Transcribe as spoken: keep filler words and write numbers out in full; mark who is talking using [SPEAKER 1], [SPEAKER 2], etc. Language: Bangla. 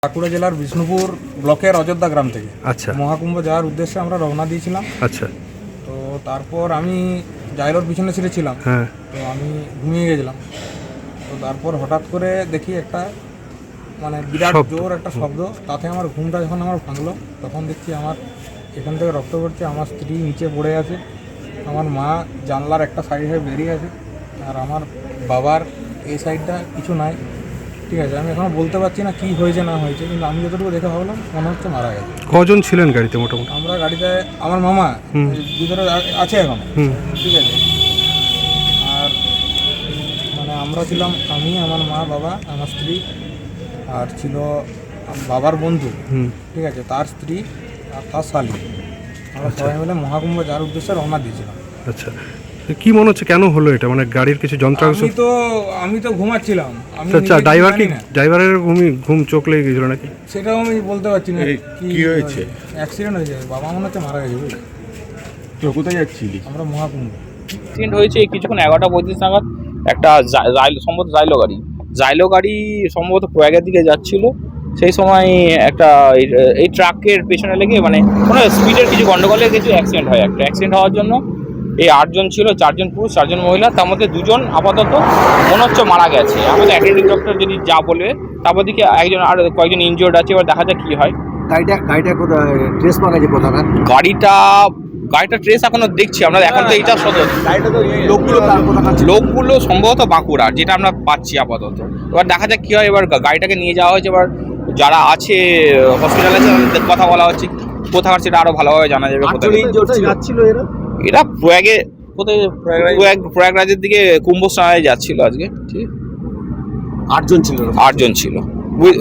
[SPEAKER 1] বাঁকুড়া জেলার বিষ্ণুপুর ব্লকের অযোধ্যা গ্রাম থেকে
[SPEAKER 2] আচ্ছা
[SPEAKER 1] মহাকুম্ভ যাওয়ার উদ্দেশ্যে আমরা রওনা দিয়েছিলাম।
[SPEAKER 2] আচ্ছা
[SPEAKER 1] তো তারপর আমি জাইলোর পিছনে ছিঁড়েছিলাম,
[SPEAKER 2] হ্যাঁ
[SPEAKER 1] তো আমি ঘুমিয়ে গেছিলাম। তো তারপর হঠাৎ করে দেখি একটা মানে বিরাট
[SPEAKER 2] শব্দ।
[SPEAKER 1] জোর একটা শব্দ, তাতে আমার ঘুমটা যখন আমার ভাঙলো তখন দেখছি আমার এখান থেকে রক্ত পড়ছে, আমার স্ত্রী নিচে পড়ে আছে, আমার মা জানলার একটা সাইডে বেরিয়ে আছে, আর আমার বাবার এই সাইডটা কিছু নাই। ঠিক আছে, আমি এখনও বলতে পারছি না কী হয়েছে না হয়েছে, কিন্তু আমি যতটুকু দেখে ভাবলাম মনে হচ্ছে মারা গেছে।
[SPEAKER 2] কজন ছিলেন গাড়িতে মোটামুটি?
[SPEAKER 1] আমরা গাড়িতে আমার মামা
[SPEAKER 2] হুম।
[SPEAKER 1] ভিতরে আছে এখন,
[SPEAKER 2] হুম
[SPEAKER 1] ঠিক আছে। আর মানে আমরা ছিলাম আমি, আমার মা, বাবা, আমার স্ত্রী, আর ছিল বাবার বন্ধু,
[SPEAKER 2] হুম
[SPEAKER 1] ঠিক আছে, তার স্ত্রী আর তার শালী। আমরা সবাই মিলে মহাকুম্ভ যাওয়ার উদ্দেশ্যে রওনা দিয়েছিলাম।
[SPEAKER 2] আচ্ছা, কি মনে হচ্ছে কেন হলো এটা? মানে গাড়ির কিছু যন্ত্রাংশ?
[SPEAKER 1] আমি তো আমি তো ঘুমাচ্ছিলাম। আমি
[SPEAKER 2] আচ্ছা,
[SPEAKER 1] নিজে
[SPEAKER 2] ড্রাইভার কি
[SPEAKER 1] জানি না।
[SPEAKER 2] ড্রাইভারের ঘুমি ঘুম চোখ লেগে গেছিল নাকি?
[SPEAKER 1] সেটাও আমি বলতে পারছি না
[SPEAKER 3] কি হয়েছে?
[SPEAKER 1] অ্যাক্সিডেন্ট হয়েছে, বাবা মনে হচ্ছে মারা গেছে। বুঝলি,
[SPEAKER 3] তো কোথায় যাচ্ছিলি?
[SPEAKER 1] আমরা মহাকুম্ভ।
[SPEAKER 4] অ্যাক্সিডেন্ট হয়েছে কিছুক্ষণ এগারোটা পঁয়ত্রিশ নাগাদ। একটা জা- জাইলো- সম্ভবত জাইলো গাড়ি জাইলো গাড়ি সম্ভবত প্রয়াগের দিকে যাচ্ছিল। সেই সময় একটা এই- এই ট্রাকের পেছনে লেগে মানে কোনো স্পিডের কিছু গন্ডগোলে কিছু অ্যাক্সিডেন্ট হয়। একটা অ্যাক্সিডেন্ট হওয়ার জন্য এই আটজন ছিল, চারজন পুরুষ চারজন মহিলা, তার মধ্যে দুজন আপাতত মনে হচ্ছে মারা গেছে। আমাদের অ্যাটেন্ডিং ডক্টর যদি যা বলে, তারপর দিকে একজন আর কয়েকজন ইনজিওর্ড আছে, এবার দেখা যাক কী হয়।
[SPEAKER 5] গাড়িটা গাড়িটা কোথায় ট্রেস পাওয়া গেছে কোথায়?
[SPEAKER 4] গাড়িটা গাড়িটা ট্রেস এখনো দেখছি আমরা, এখন তো এইটা সদর
[SPEAKER 5] গাড়িটা তো লোকগুলো তার কোথায়?
[SPEAKER 4] লোকগুলো সম্ভবত বাঁকুড়া, যেটা আমরা পাচ্ছি আপাতত। এবার দেখা যাক কী হয়। এবার গা- গাড়িটাকে নিয়ে যাওয়া হয়েছে, এবার যারা আছে হসপিটালে আছে তাদের কথা বলা হচ্ছে, কোথাকার সেটা আরও ভালোভাবে জানা যাবে। কোথায়
[SPEAKER 5] যাচ্ছিল এরা?
[SPEAKER 4] এটা প্রয়াগে, কোথায় প্রয়াগ প্রয়াগরাজের দিকে কুম্ভ স্নানে যাচ্ছিল আজকে। ঠিক,
[SPEAKER 5] আটজন ছিল।
[SPEAKER 4] আটজন ছিল।